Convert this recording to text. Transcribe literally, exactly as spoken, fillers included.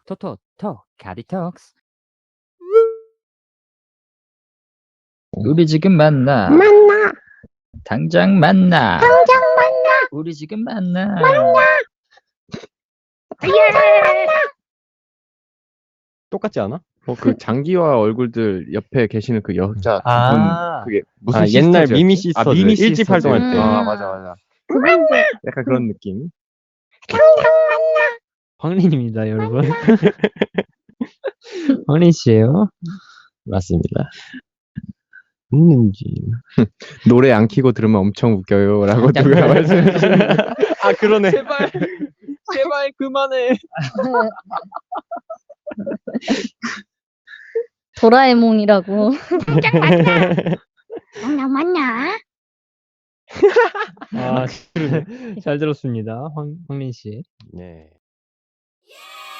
토토토 카디톡스. 우리 지금 만나. 만나. 당장 만나. 당장 만나. 우리 지금 만나. 만나. 예. 똑같지 않아? 어, 그 장기화 얼굴들 옆에 계시는 그 여자 두 분, 아. 그게 무슨 아, 옛날 시스터즈였지? 미미 아, 시스터즈. 미미 일집 시스터즈. 활동할 때. 아, 맞아, 맞아. 만나. 약간 그런 느낌. 당장 만나. 황린입니다, 여러분. 황린 씨예요? 맞습니다. 있는지. 노래 안 키고 들으면 엄청 웃겨요라고 누가 말씀해 주셨는데. 아, 그러네. 제발, 제발 그만해. 도라에몽이라고. 당장 만나. 만나 만나. 아, 잘 들었습니다, 황 황린 씨. 네.